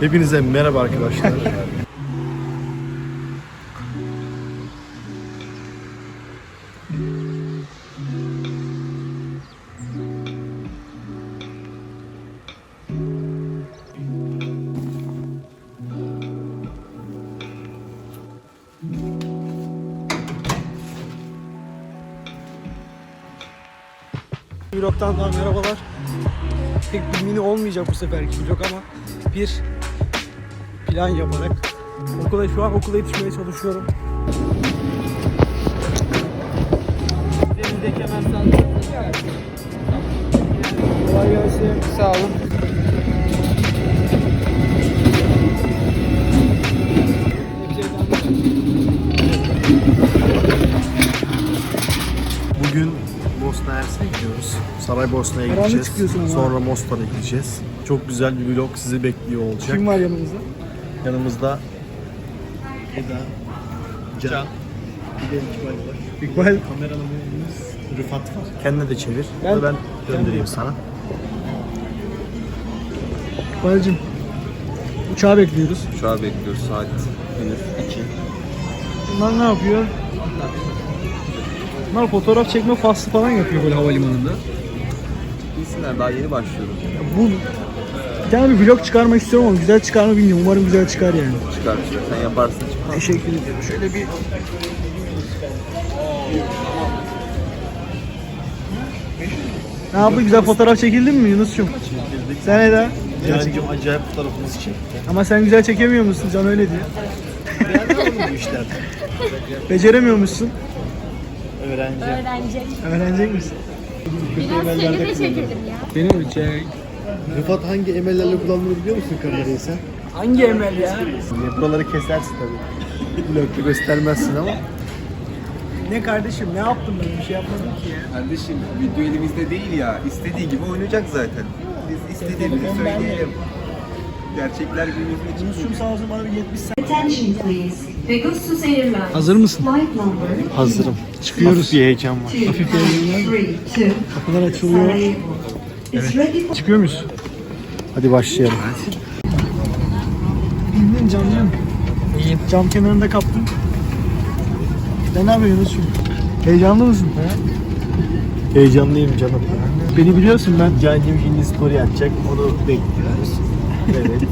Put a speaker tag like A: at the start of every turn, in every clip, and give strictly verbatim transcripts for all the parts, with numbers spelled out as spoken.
A: Hepinize merhaba arkadaşlar.
B: Vlog'tan daha merhabalar. Pek bir mini olmayacak bu seferki vlog ama bir plan yaparak okula şu an okula yetişmeye çalışıyorum. Denizdeki hemen sağlık. Kolay gelsin. Sağ olun.
A: Bugün Bosna Hersek'e gidiyoruz. Saraybosna'ya gideceğiz. Sonra Mostar'a gideceğiz. Çok güzel bir vlog sizi bekliyor olacak.
B: Kim var yanımızda?
A: Yanımızda Eda, Can, bir de İkbal var.
B: İkbal.
A: Kameramanımız Rıfat var. Kendine de çevir.
B: Ben,
A: ben göndereyim sana.
B: İkbal'cim, uçağı bekliyoruz.
C: Uçağı bekliyoruz saat henüz iki.
B: Bunlar ne yapıyor? Bunlar fotoğraf çekme faslı falan yapıyor böyle havalimanında.
C: Bilsinler daha yeni başlıyoruz.
B: Bu bir tane bir vlog çıkarmak istiyorum ama güzel çıkar mı bilmiyorum. Umarım güzel çıkar yani.
C: Çıkar çıkar. Sen yaparsın çıkar.
B: Teşekkür ederim. Şöyle bir ne yaptı? Güzel fotoğraf çekildin mi Yunus'cum?
A: Çekildik.
B: Sen Eda?
A: Can'cım acayip fotoğrafımızı çekti.
B: Ama sen güzel çekemiyor musun? Can öyle diyor.
A: Beğendin mi bu işler?
B: Beceremiyor musun?
A: Öğrenci.
D: Öğrenecek.
B: Öğrenecek misin?
D: Biraz seni de çekelim ya.
B: Beni mi çek?
A: Rıfat hangi emellerle kullandığını biliyor musun kamerayı sen?
B: Hangi emel ya?
A: Buraları kesersin tabii. Vlog'da göstermezsin ama.
B: Ne kardeşim? Ne yaptım ben? Bir şey yapmadım ki ya.
C: Kardeşim video elimizde değil ya. İstediği gibi oynayacak zaten. Biz istediğimizi
B: Telefon bende.
C: söyleyelim. Gerçekler günümüzün için.
B: Yunus'cum sağ olsun bana bir yetmiş sen.
E: Attention please. Pegasus Airlines.
B: Hazır mısın?
E: Flight number
A: Hazırım.
B: Çıkıyoruz.
A: Hafif bir heyecan var.
E: two
B: Hafif bir
E: three two.
B: Kapılar açılıyor.
E: Sarajevo. Is ready for
B: Çıkıyor muyuz?
A: Hadi başlayalım.
B: İndin camcım. İyiyim. Cam kenarında kaptım. Sen ne yapıyorsun Yunus'cum? Heyecanlı mısın? He?
A: Heyecanlıyım canım.
B: Beni biliyorsun ben.
A: Can'cım şimdi story atacak. Onu bekliyoruz. Evet.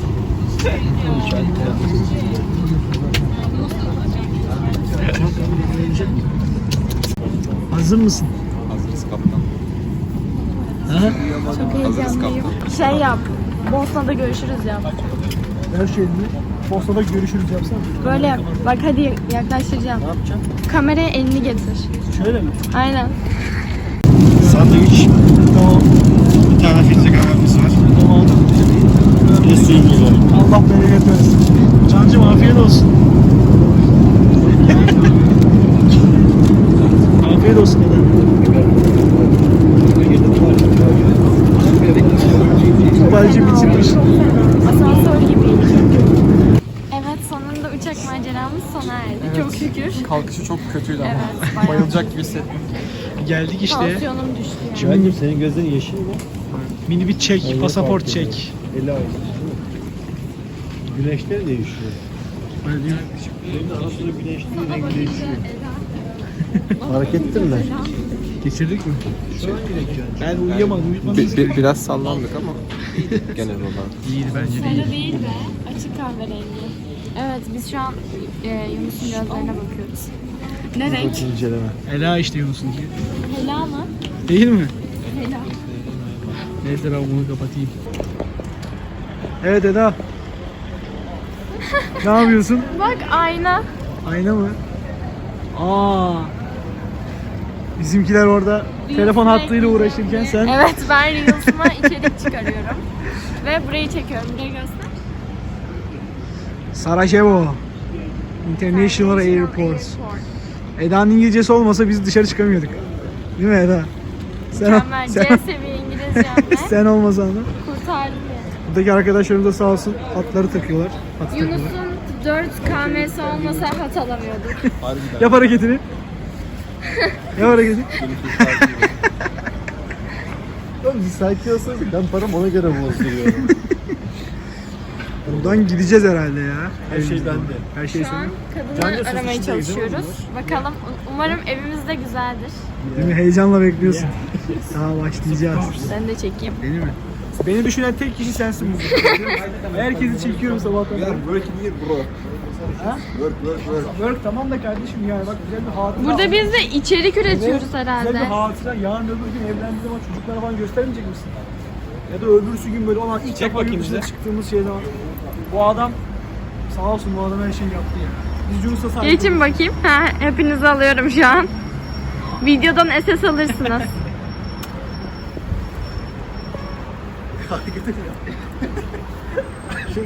B: Hazır mısın?
C: Hazırız kaptan.
B: Ha?
D: Çok heyecanlıyım. Şey yap. Bosna'da görüşürüz yap.
B: Her şeyini Bosna'da görüşürüz yapsana.
D: Böyle yap. Bak hadi yaklaştıracağım.
B: Ne yapacağım?
D: Kameraya elini getir.
B: Şöyle mi?
D: Aynen.
A: Sandviç.
B: Tamam.
A: Bir tane filtre kahvemiz var.
B: Tamam.
A: Bir de suyumuz var.
B: Allah bereket versin. Cancım afiyet olsun. Afiyet olsun. İkbalci bitirmiş.
D: Asansör gibiydi. Evet, sonunda uçak maceramız sona erdi. Çok şükür.
F: Kalkışı çok kötüydü ama.
D: Evet, bayağı.
F: Bayılacak gibi hissettim.
B: Geldik işte.
D: Tansiyonum düştü yani.
A: Can'cım senin gözlerin yeşil mi?
B: Mini bir çek, pasaport çek.
A: Eli ayrı. Güneşler değişiyor.
B: Öyle değil mi?
A: Senin ara sıra güneşliğin rengi değişiyor. Fark ettin mi?
B: Geçirdik mi? Ben uyuyamadım, uyutmadım.
C: Bi- bi- biraz sallandık ama genel olarak.
B: İyiydi bence değil.
D: Sarı değil be. Açık kahverengi. Evet, biz şu an e, Yunus'un gözlerine bakıyoruz. Ne renk?
A: İnceleme.
B: Ela işte Yunus'un ki.
D: Hela mı?
B: Değil mi?
D: Hela.
B: Neyse ben bunu kapatayım. Evet Eda. Ne yapıyorsun?
D: Bak ayna.
B: Ayna mı? Aa. Bizimkiler orada telefon hattıyla uğraşırken sen
D: Evet, ben Reels'ıma içerik çıkarıyorum. Ve burayı çekiyorum. Burayı göster.
B: Sarajevo International Airport. Eda'nın İngilizcesi olmasa biz dışarı çıkamıyorduk. Değil mi Eda? Sen,
D: Mükemmel. C
B: sen,
D: seviye İngilizcemle
B: sen olmasan da.
D: kurtardım yani.
B: Buradaki arkadaşlarım da sağ olsun hatları takıyorlar. Hat takıyorlar.
D: Yunus'un dört K M'si olmasa hat alamıyorduk.
B: Yap hareketini. Yap hareketini.
A: Oğlum sakin olsanız ben param ona göre bozduruyorum.
B: Buradan gideceğiz herhalde ya.
A: Her şey bende.
B: Her şey
D: Şu an
B: senin.
D: kadını
A: Cancı,
D: aramaya
A: sos içindeyiz değil mi
D: çalışıyoruz. Bakalım. Umarım evimiz de güzeldir.
B: Değil mi? Heyecanla bekliyorsun. Daha başlayacağız.
D: Ben de çekeyim.
B: Değil mi? Beni düşünen tek kişi sensin burada. Herkesi çekiyorum sabahtan.
C: We are working here bro.
B: Ha?
C: Work work work.
B: Work tamam da kardeşim yani bak güzel bir hatıra.
D: Burada biz de içerik üretiyoruz
B: Güzel
D: herhalde.
B: bir hatıra. Yarın öbür gün evlendiği zaman çocuklara falan göstermeyecek misin? Ya da öbürsü gün böyle olan ilk defa yurt dışına çıktığımız şeyde var. Bu adam sağ olsun bu adam her şeyi yaptı ya. Biz Yunus'a sahip
D: Geçin
B: olduk.
D: bakayım. Ha, hepinizi alıyorum şu an. Videodan S S alırsınız.
A: Şu mu?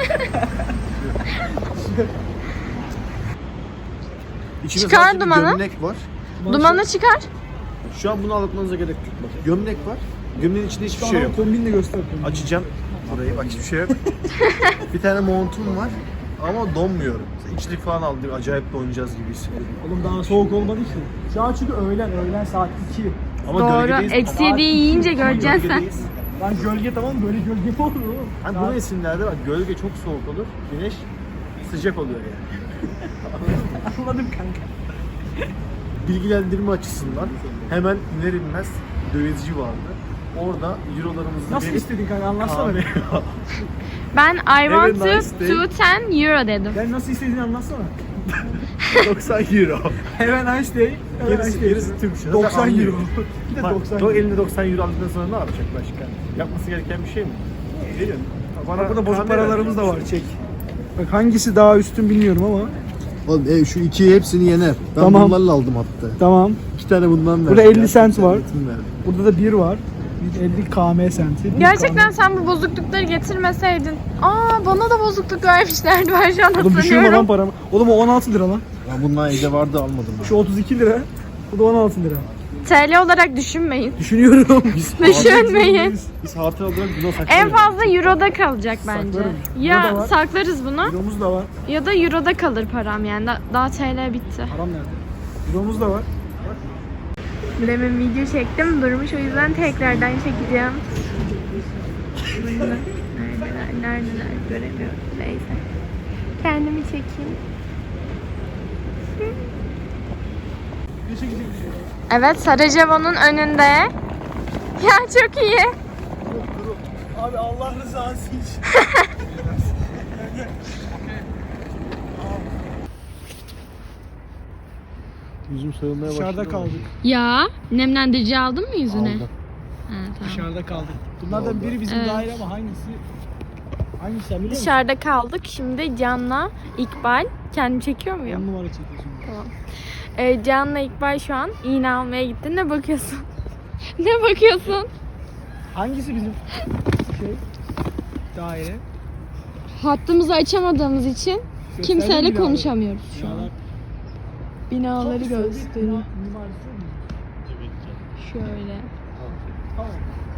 A: İçinde
D: Çıkar
A: sadece bir
D: dumanı.
A: gömlek var.
D: Dumanı çıkar.
A: Şu an bunu anlatmanıza gerek yok. Bak, gömlek var. Gömleğin içinde hiçbir şey yok.
B: Kombinle göster kombini.
A: Açacağım burayı. Bak hiçbir şey yok. Bir tane montum var. Ama donmuyorum. İçlik falan aldım. Acayip donacağız gibi hissediyorum.
B: Oğlum daha soğuk olmadı ki. Şu an çünkü öğlen, öğlen saat iki.
A: Ama
D: Doğru.
A: gölgedeyiz.
D: Eksi
A: Ama-
D: yediyi yiyince göreceksin sen.
A: Gölgedeyiz.
B: Lan gölge tamam böyle gölge mi olur oğlum?
A: Hani bu mevsimlerde bak gölge çok soğuk olur. Güneş sıcak oluyor yani.
B: Anladım kanka.
A: Bilgilendirme açısından hemen iner inmez dövizci vardı. Orada eurolarımızı
B: Nasıl
A: verip
B: istedin kanka anlatsana be.
D: Ben I want
A: Very
D: to
A: nice day.
D: to ten euro dedim.
B: Ben nasıl istediğini anlatsana.
A: doksan euro.
B: Have a nice day. Have a
A: Gerisi,
B: nice day.
A: gerisi Türk lirası.
B: doksan
A: Anlıyor.
B: euro. Bir de
A: Bak,
B: doksan
A: o
B: euro.
A: elinde doksan euro aldıktan sonra ne yapacak başka? Yapması gereken bir şey mi? Veriyor.
B: Bana burada bozuk
A: kamera-
B: paralarımız da var çek. Bak hangisi daha üstün bilmiyorum ama.
A: Oğlum e, şu ikiyi hepsini yener. Ben
B: Tamam.
A: bunlarla aldım hatta.
B: Tamam.
A: İki tane bundan verdim.
B: Burada elli
A: ya.
B: cent var.
A: Eğitim verdim.
B: Burada da bir var. elli K M senti. bir
D: Gerçekten
B: K
D: sen bu bozuklukları getirmeseydin. Aa bana da bozukluk vermişlerdi. Ben şu an
B: M. Oğlum düşürme lan
D: hatırlıyorum.
B: paramı. Oğlum o on altı lira lan.
A: Ya bunlar evde vardı almadım.
B: Şu otuz iki lira. Bu da on altı lira.
D: T L olarak düşünmeyin.
B: Düşünüyorum.
D: Düşünmeyin.
A: Biz hatıra olarak buna saklayalım.
D: En fazla euroda kalacak bence.
B: Saklarım. Burada da
D: Ya
B: var.
D: saklarız bunu
B: Euromuz da var.
D: ya da euroda kalır param yani. Da- Daha T L bitti.
B: Param nerede? Euromuz da var.
D: Demin video çektim durmuş o yüzden tekrardan çekeceğim. Neredeler, neredeler göremiyorum. Neyse. Kendimi çekeyim. Evet Sarajevo'nun önünde. Ya çok iyi.
B: Abi Allah rızası için.
A: Yüzüm sarılmaya başladı.
B: Dışarıda kaldık.
D: Ya nemlendirici aldın mı yüzüne?
A: Aldım.
D: Ha, tamam.
B: Dışarıda kaldık. Bunlardan biri bizim
D: Evet.
B: daire ama hangisi? Hangisi sen biliyor musun?
D: Dışarıda kaldık. Şimdi Can'la İkbal. Kendim çekiyor muyum?
B: On numara çekiyorsun.
D: Ee, Can'la İkbal şu an iğne almaya gitti. Ne bakıyorsun? Ne bakıyorsun?
B: Hangisi bizim şey? Daire.
D: Hattımızı açamadığımız için
B: Gösterdi
D: kimseyle
B: mi binaları?
D: konuşamıyoruz şu an.
B: Binalar.
D: Binaları
B: Çok sevdik
D: gösteriyor.
B: bina- mimarisi mi?
D: Şöyle.
B: Tamam.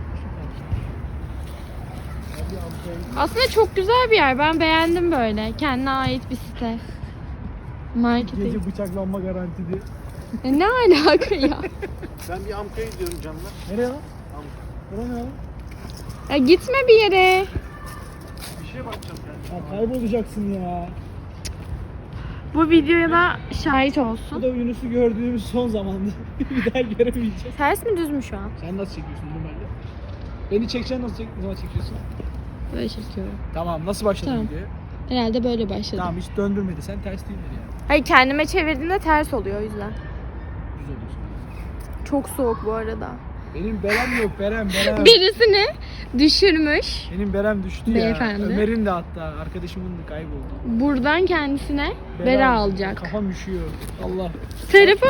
D: Aslında çok güzel bir yer. Ben beğendim böyle. Kendine ait bir site. Marketing.
B: Gece bıçaklanma garantili.
D: E, ne alaka ya?
A: Ben bir Amka'ya gidiyorum canlar.
B: Nereye lan? Nereye ne lan?
D: Ya gitme bir yere.
A: Bir şeye bakacağım yani.
B: Ya kaybolacaksın ya.
D: Bu videoya da şahit
B: Bu
D: olsun.
B: da Yunus'u gördüğümüz son zamanda. Bir daha göremeyeceğiz.
D: Ters mi düz mü şu an?
B: Sen nasıl çekiyorsun normalde? Beni çekeceksin nasıl çek ne zaman çekiyorsun?
D: Böyle çekiyorum.
B: Tamam nasıl başladın
D: Tamam.
B: videoya?
D: Herhalde böyle başladım.
B: Tamam hiç döndürmedi. Sen ters değildir ya.
D: Hayır kendime çevirdiğimde ters oluyor o yüzden.
B: Düz oluyorsun.
D: Çok soğuk bu arada.
B: Benim berem yok berem berem.
D: Birisini düşürmüş.
B: Benim berem düştü
D: Beyefendi.
B: ya. Ömer'in de hatta arkadaşımın da kayboldu.
D: Buradan kendisine bera alacak.
B: Kafam üşüyor. Allah.
D: Telefon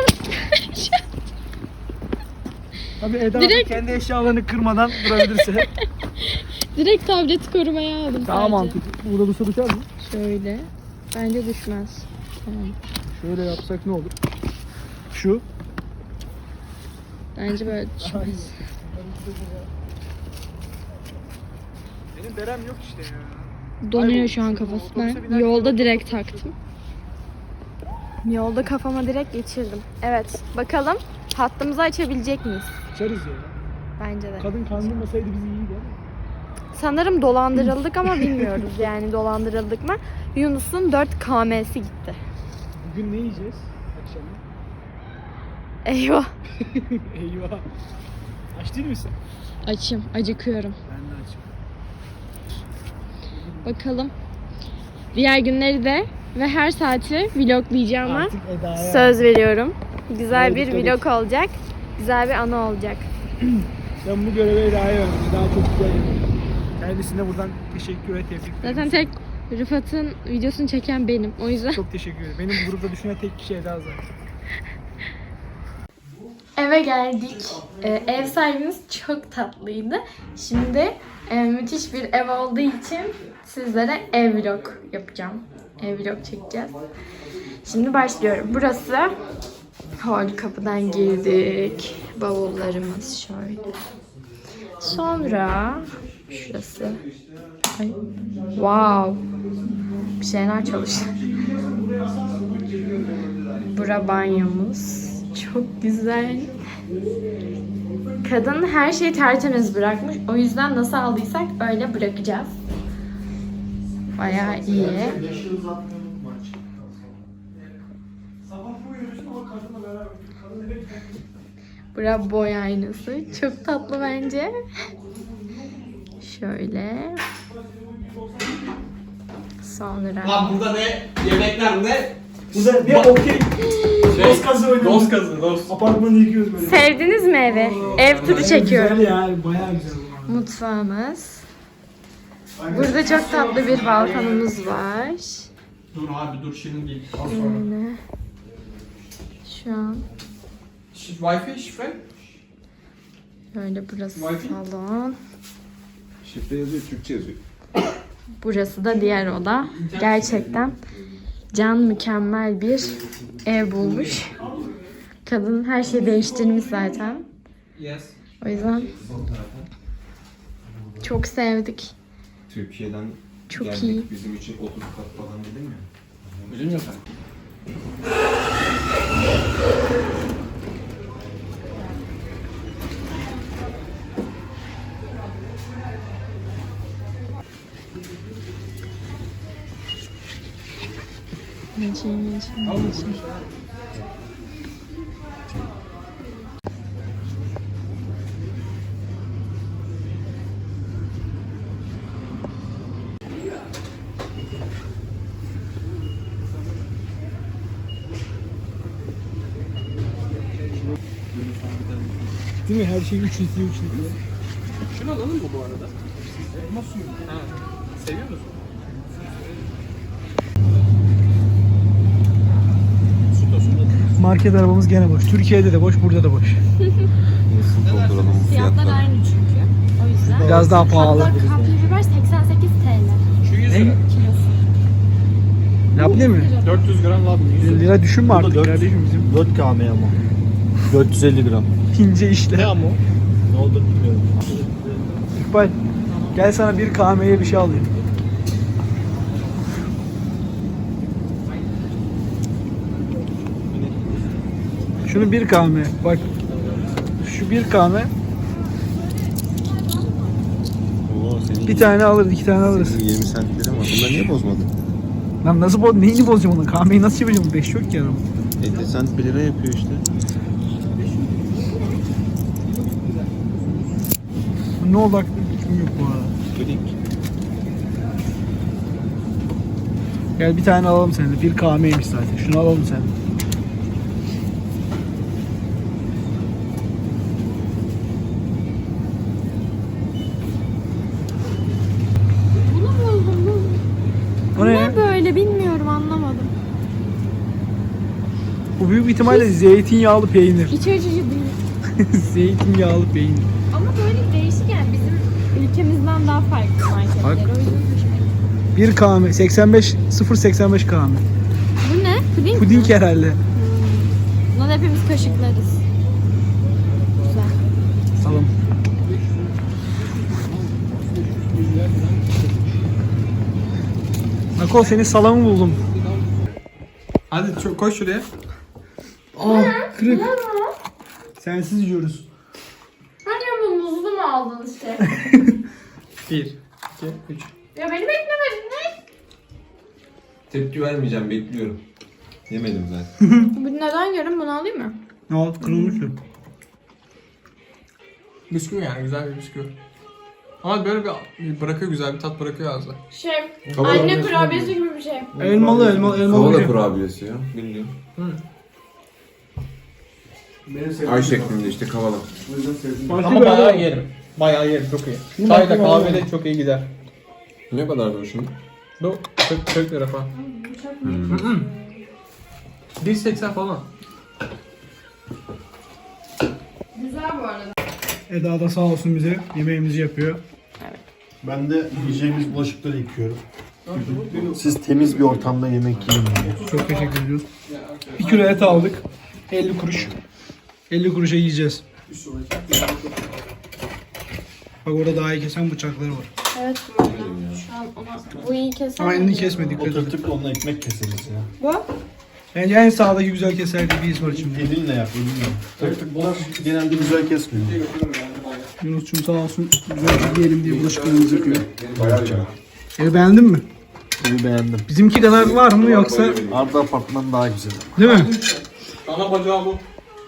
B: Tabii Eda
D: Direkt-
B: kendi eşyalarını kırmadan durabilirse.
D: direkt tableti korumaya aldım
B: Daha
D: sadece.
B: mantıklı. Burada dursa düşer mi?
D: Şöyle. Bence düşmez. Tamam.
B: Şöyle yapsak ne olur? Şu.
D: Bence böyle düşmez.
B: Benim berem yok işte ya.
D: Donuyor şu an kafası. Ben yolda direkt taktım. Yolda kafama direkt geçirdim. Evet. Bakalım hattımızı açabilecek miyiz?
B: Açarız ya.
D: Bence de.
B: Kadın kandırmasaydı bizi iyiydi ama.
D: Sanırım dolandırıldık ama bilmiyoruz yani dolandırıldık mı. Yunus'un dört K M'si gitti.
B: Bugün ne yiyeceğiz akşama?
D: Eyvah.
B: Eyvah. Aç değil misin?
D: Açım, acıkıyorum.
B: Ben de açım.
D: Bakalım. Diğer günleri de ve her saati vloglayacağım ama
B: Artık Eda'ya.
D: söz veriyorum. Güzel
B: Evet,
D: bir
B: dikkat
D: vlog olacak. Güzel bir anı olacak.
B: Ben bu görevi Eda'ya verdim. Daha çok güzel yapıyor. Kendisine buradan teşekkür ve tebrik ederim.
D: Zaten tek Rıfat'ın videosunu çeken benim. O yüzden.
B: Çok teşekkür ederim. Benim bu grupta düşünen tek kişi Eda zaten.
D: Eve geldik. Ee, ev sahibimiz çok tatlıydı. Şimdi e, müthiş bir ev olduğu için sizlere ev vlog yapacağım. Ev vlog çekeceğiz. Şimdi başlıyorum. Burası hol, kapıdan girdik. Bavullarımız şöyle. Sonra şurası. Ay. Wow. Bir şeyler çalıştı. Bura banyomuz. Çok güzel. Kadın her şeyi tertemiz bırakmış. O yüzden nasıl aldıysak öyle bırakacağız. Bayağı iyi. Bura boy aynası. Çok tatlı bence. Şöyle. Sonra.
F: Lan burada ne? Yemekler ne?
B: Burada ne okey. Dost kazı oynuyoruz.
F: Dost kazı, dost.
B: Apartmanı yıkıyoruz böyle.
D: Sevdiniz mi evi? Ev turu çekiyorum.
B: Güzel ya, bayağı güzel bu.
D: Mutfağımız. Burada çok tatlı bir balkonumuz var.
F: Dur abi dur şimdi değil. Al sonra.
D: Böyle. Şu an
F: Şi- Wi-Fi şifre?
D: böyle burası
F: Wi-Fi?
D: salon.
C: Şifre yazıyor, Türkçe yazıyor.
D: Burası da diğer oda. Gerçekten Can mükemmel bir ev bulmuş. Kadın her şeyi değiştirmiş zaten.
F: Yes.
D: O yüzden çok sevdik.
C: Türkiye'den
D: Çok
C: geldik,
D: iyi.
C: bizim için otuz kat falan dedim ya.
F: Bizim yok.
B: Değil mi? Her şey üç litre üç litre.
F: Şunu alalım mı bu arada? Elma suyu. Ha. Seviyor musun?
B: Market arabamız gene boş. Türkiye'de de boş, burada da boş.
C: Nasıl dolduralım bu
D: Fiyatlar
C: fiyatları?
D: aynı çünkü. O yüzden.
B: Biraz daha pahalı.
D: Hatta kapya biber seksen sekiz TL.
F: Şu yüz lira.
D: Kilosu.
B: Labne mi?
F: dört yüz gram labne. yüz lira.
B: Lira düşünme artık
A: dört-
B: kardeşim bizim.
A: dört K M ama. dört yüz elli gram.
B: İnce işler.
A: ama? Ne oldu bilmiyorum.
B: İkbal, gel sana bir K M'ye bir şey alayım. Şunu bir K M. Bak. Şu bir K M.
C: Oo, senin
B: Bir tane alırız, iki tane alırız.
C: senin yirmi centleri var. Bunları niye bozmadın?
B: Lan nasıl boz, neyini bozacağım onu? K M'yi nasıl yapacağım? beş yok ki adam.
C: elli cent bir lira yapıyor işte.
B: Ne oldu aklımda fikrim yok bu arada.
C: Klik.
B: Gel bir tane alalım seninle. Bir K M'ymiş zaten. Şunu alalım sen.
D: Bunu buldum. Bu
B: O ne?
D: ne böyle bilmiyorum anlamadım.
B: Bu büyük ihtimalle zeytinyağlı peynir.
D: İç açıcı değil.
B: Zeytinyağlı peynir.
D: Ama böyle değişik yani bizim ülkemizden daha farklı marketler.
B: Bak.
D: O yüzden hoşuma gitti.
B: bir K M. seksen beş, sıfır virgül seksen beş K M.
D: Bu ne? Puding,
B: Puding
D: mi?
B: herhalde.
D: Bundan hepimiz kaşıklarız. Güzel.
B: Salım. Nakol senin salamı buldum.
F: Hadi çok koş şuraya.
B: Aa kırık. Sensiz yiyoruz.
D: Hani bu muzlu mu aldın işte?
F: Bir. iki, üç.
D: Ya beni beklemedin ne?
C: Tepki vermeyeceğim, bekliyorum. Yemedim ben.
D: Bu neden yarım bunu alayım mı?
B: Ne oldu? Kırılmış mı?
F: Bisküvi yani güzel bir bisküvi. Ama böyle bir, bir bırakıyor, güzel bir tat bırakıyor ağızda.
D: Şey, anne kurabiyesi gibi bir şey.
B: Elmalı elmalı elmalı.
C: Kola
B: bir şey.
C: kurabiyesi ya, bildiğin. Ay şeklinde işte kavala.
B: Başka
F: Ama
B: bir
F: bayağı
B: adam-
F: yerim. Bayağı yerim, çok iyi.
B: Bunu
F: Çayda,
B: bakayım
F: kahvede
B: ama.
F: çok iyi gider.
C: Ne kadardı bu şimdi?
F: Bu kırk, kırk lira falan. bir seksen falan.
D: Güzel bu arada.
B: Eda da sağ olsun bize yemeğimizi yapıyor.
A: Ben de yiyeceğimiz bulaşıkları yıkıyorum. Siz temiz bir ortamda yemek yiyin diye.
B: Çok teşekkür ediyoruz. Bir kilo et aldık. elli kuruş. elli kuruşa yiyeceğiz. Bak orada daha iyi kesen bıçakları var.
D: Evet bu arada. Şu an ona... Bu iyi keser
B: Ama
D: mi?
B: elini kesmedik.
A: Oturtup onunla ekmek keseriz ya.
D: Bu?
B: Bence en sağdaki güzel keser bir his var şimdi.
A: Elinle yap, elinle. Tık tık bunlar genelde güzel kesmiyor.
B: Yunus'cum sağ olsun güzel yiyelim diye bulaşıklarımızı yapıyor. Evi beğendin mi?
A: Evi beğendim.
B: Bizimki kadar var mı yoksa
A: Arda apartman daha güzel.
B: değil mi?
F: Ana bacağı bu.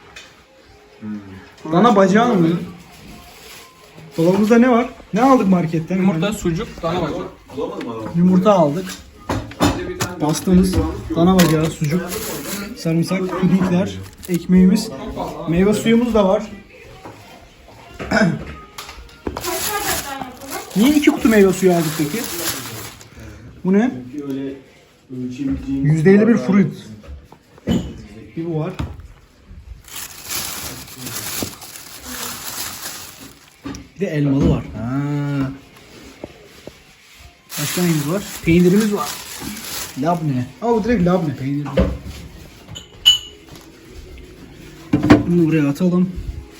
B: Dana bacağı mı? Dolabımızda ne var? Ne aldık marketten?
F: Yumurta, sucuk, dana bacağı.
B: Yumurta aldık. Pastamız, dana bacağı, sucuk, sarımsak, pudingler, ekmeğimiz, meyve suyumuz da var. Niye iki kutu meyve suyu aldık peki? Bu ne?
A: Öyle ölçebileceğimiz...
B: yüzde elli bir fruit. Bir bu var. Bir de elmalı var. Ha. Başka neyimiz var? Peynirimiz var. Labne. Aa bu direkt labne peyniri. Bunu buraya atalım.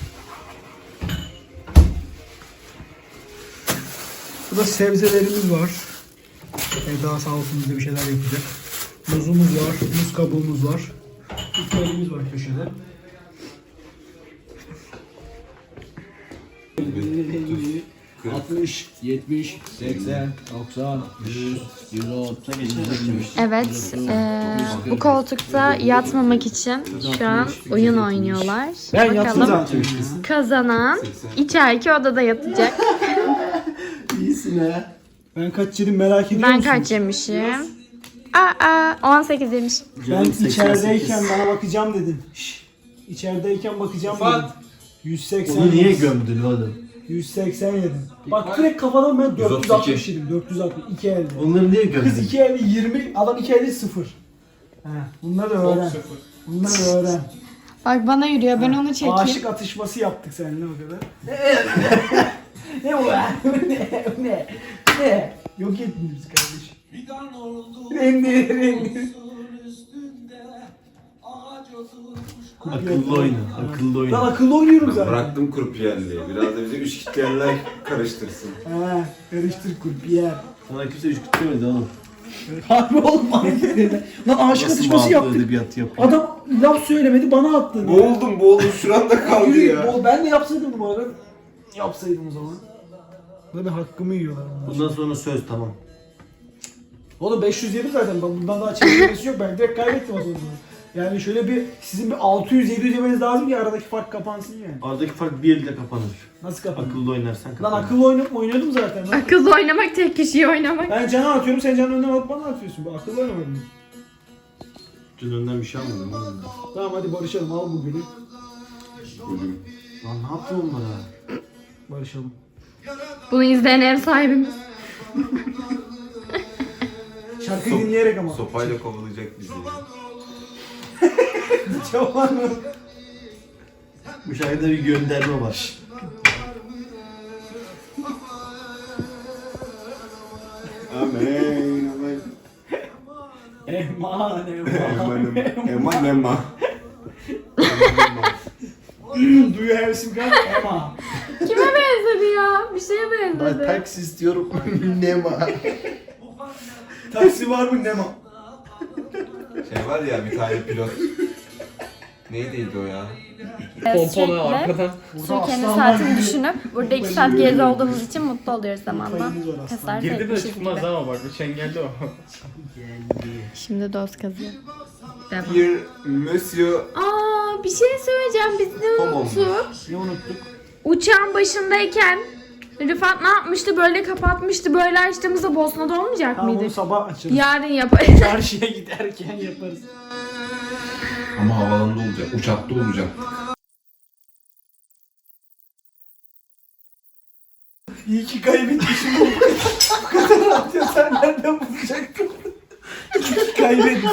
B: Burada sebzelerimiz var. Eda sağ olsun bize bir şeyler yapacak. Muzumuz var, muz kabuğumuz var. Bitkilerimiz var köşede. altmış, yetmiş, seksen, doksan, yüz, yüz on,
D: Evet, eee, bu koltukta yatmamak için şu an oyun oynuyorlar.
B: Ben yattım
D: Bakalım
B: zaten.
D: kazanan içeriki odada yatacak.
A: İyisin ha.
B: Ben kaç yedim merak ediyor
D: Ben
B: musun?
D: kaç yemişim? Aa, on sekiz yemiş.
B: Ben
A: seksen sekiz.
B: içerideyken bana bakacağım dedin. Şşş. İçerideyken bakacağım dedin. yüz seksen.
A: Onu niye gömdün oğlum?
B: yüz seksen yedim. Bak direkt kafadan ben dört yüz altmış yedim. dört yüz altmış. iki elde.
A: Onları niye
B: Kız
A: gömdün?
B: iki elde yirmi, adam iki elde sıfır. He, bunları öğren. Bunları öğren.
D: Bak bana yürüyor, ben onu çekeyim.
B: Aşık atışması yaptık seninle o kadar. ne o ya? ne? Ne? Ne? Yok ettiniz kardeşim. Rengi rengi.
A: Akıllı oyna, akıllı
B: Lan
A: oyna.
B: akıllı oynuyorum zaten.
C: Bıraktım kurpiyerliği. Biraz da bize üç kitlerler karıştırsın.
B: He, karıştır kurpiyer.
A: Sana kimse üç kutu demedi oğlum.
B: Harbi oğlum harbiden. Lan aşık
A: Nasıl
B: atışması
A: bağlı
B: yaptık.
A: edebiyat yapıyor?
B: Adam laf söylemedi bana attı.
C: Boğuldum boğuldum şuranda kaldı
B: Yürü,
C: ya.
B: bol- Ben de yapsaydım bu arada. Yapsaydım o zaman. Böyle hakkımı yiyorlar bunlar.
A: Bundan sonra söz tamam.
B: Oğlum beş yüz yedim zaten. Ben bundan daha çekilmesi yok. Ben direkt kaybettim o zaman. Yani şöyle bir sizin bir altı yüz yedi yüz yemeniz lazım ki aradaki fark kapansın yani.
A: Aradaki fark bir elde kapanır.
B: Nasıl kapanır?
A: Akıllı oynarsan
B: Lan
A: kapanır.
B: akıllı oynayıp oynuyordum zaten. Lan.
D: Akıllı oynamak tek kişiyi oynamak.
B: Ben cana atıyorum, sen canın önüne alıp bana atıyorsun. Bu akıllı oynamadın.
A: Dün önden bir şey almadım oğlum.
B: Tamam hadi barışalım, al bu gülü.
A: Lan ne yaptın onlara?
B: Barışalım.
D: Bunu izleyen ev sahibimiz.
B: Şarkıyı dinleyerek ama.
C: Sopayla kovalayacak bizi.
B: Çaban mı?
A: Bu şarkıda bir gönderme var.
C: Amen. Amen.
B: Eman
C: Eman
B: eman.
C: eman eman.
B: Do you have sim card? Ema.
D: Kime benzedi ya? Bir şeye
A: Ben
D: benzedi.
A: taksi istiyorum. ne var?
B: Taksi var mı Nema?
C: Şey var ya bir tane pilot. Neydiydi o ya?
F: Pompona arkadan.
D: Sürekli kendi saatini düşünüp burada iki saat geride olduğumuz için mutlu oluyoruz zamanla. Tesadüf
F: Girdi de
D: etmişiz
F: çıkmaz
D: gibi.
F: ama bak bu çengelli o.
D: Şimdi dost kazıyor. Devam.
C: Bir Monsieur
D: Aa, bir şey söyleyeceğim. Biz ne
C: Tamam.
D: unuttuk?
B: Ne unuttuk?
D: Uçağın başındayken Rıfat ne yapmıştı? Böyle kapatmıştı. Böyle açtığımızda Bosna'da olmayacak
B: Tamam onu
D: mıydı?
B: sabah açarız.
D: Yarın yaparız.
B: Çarşıya giderken yaparız.
C: ama havalanda olacak, uçakta olacak.
B: İyi ki kaybetmişim bu kadar rahat ya, sen nereden bulacaktın? İyi ki kaybettim.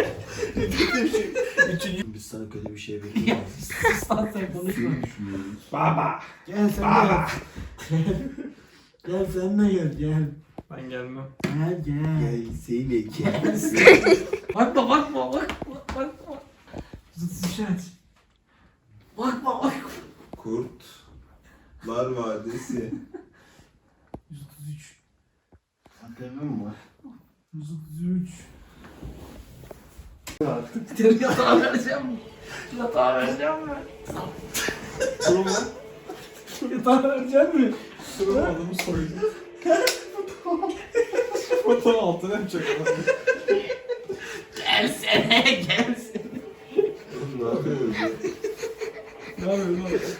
A: Biz sana kötü bir şey bekliyoruz.
B: Sus lan sen konuşma. Baba. Gel sen de gel. Gel sen de gel gel.
F: Ben gelmem.
B: Gel gel.
A: Seni
B: Bakma bakma bakma bakma. Zıt şişet. Bakma bakma.
C: Kurtlar Vadisi.
B: yüz otuz üç.
A: Hakikaten mi var?
B: yüz otuz üç. Artık yatağa vereceğim mi? Yatağa vereceğim mi? Yatağa vereceğim mi?
C: Adamı soydu. Fotoğraf altına yapacak adam.
B: Gelsene gelsene.
C: Ne yapıyorsun?
B: Ne yapıyorsun?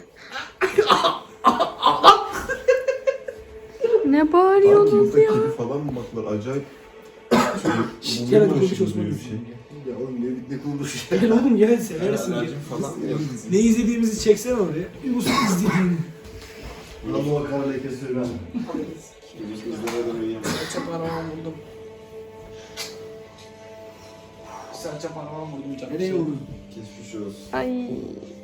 D: Ne bağırıyorsunuz ya?
C: Kedi falan mı baklar acayip.
B: Şşt, gel hadi konuş Osman.
C: Ya oğlum ne ne konuşuyor?
B: Gel oğlum gel seversin gel.
C: falan
B: Ne izlediğimizi çeksene oraya. Yunus'un izlediğini.
A: Ama o kara leke sürmem.
B: Serçe parmağımı buldum. Serçe parmağımı buldum canım. Nereye vurdun?
C: Geçmiş olsun.
D: Ay.